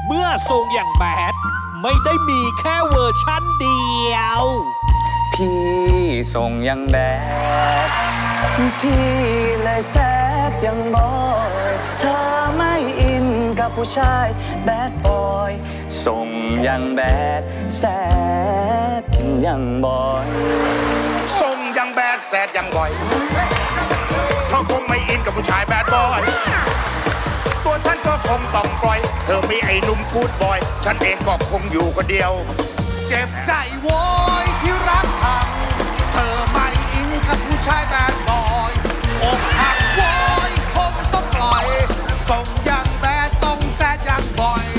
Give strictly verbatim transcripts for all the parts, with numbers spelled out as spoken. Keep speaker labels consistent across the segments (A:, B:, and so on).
A: เมื่อทรงอย่างแบดไม่ได้มีแค่เวอร์ชั่นเดียว
B: พี่ส่งยังแบดพี่เลยแซดยังบอยเธอไม่อินกับผู้ชายแบดบอยส่งยังแบดแซดยังบอย
C: ส่งยังแบดแซดยังบ่อยเขาคงไม่อินกับผู้ชายแบดบอยตัวฉันก็คงต้องปล่อยเธอมีไอ้หนุ่มกูดบอยฉันเองก็คงอยู่คนเดียวเจ็บใจโว้ยที่รักพังเธอไม่อินกับผู้ชายแบดบอยอกหักโว้ยคงต้องปล่อยส่งยังแบดต้องแซดยังบ่อย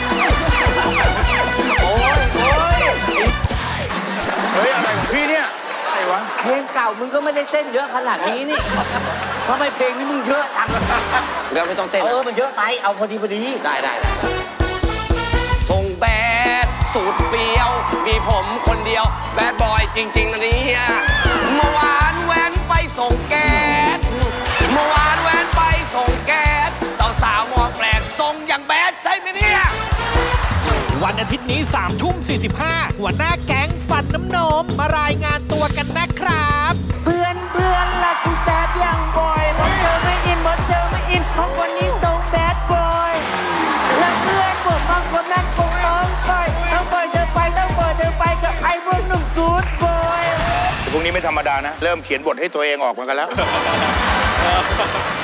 C: โอ้ยโอ้ยเฮ้ยอะไรของพี่เนี่ยอะไรวะ
D: เพลงเก่ามึงก็ไม่ได้เต้นเยอะขนาดนี้นี่ทำไมเพลงนี้มึงเยอะจัง
B: เราไม่ต้องเต้น
D: เออมันเยอะไปเอาพอดีพอดี
B: ได้ได้ส่งแบดสูตรเฟี้ยวมีผมคนเดียวแบดบอยจริงๆนะเนี่ยเมื่อวานแว้นไปส่งแก๊สเมื่อวานแว้นไปส่งแก๊สสาวๆมองแปลกส่งอย่างแบดใช่ไหมเนี่ย
A: วันอาทิตย์นี้สามทุ่มสี่สิบห้าหัวหน้าแก๊งฟันน้ำนมมารายงานตัวกันนะครับ
E: เพื่อนเพื่อนรักกูแซดยังบ่อยบอสเธอไม่อินบอสเธอไม่อินเพราะวันนี้ส่งแบดบอยและเพื่อนผมบางคนนั้นคงต้องปล่อยต้องปล่อยเธอไปต้องปล่อยเธอไปกับไอ้พวกหนุ่มกู๊ดบอย
C: พวกนี้ไม่ธรรมดานะเริ่มเขียนบทให้ตัวเองออกมากันแล้ว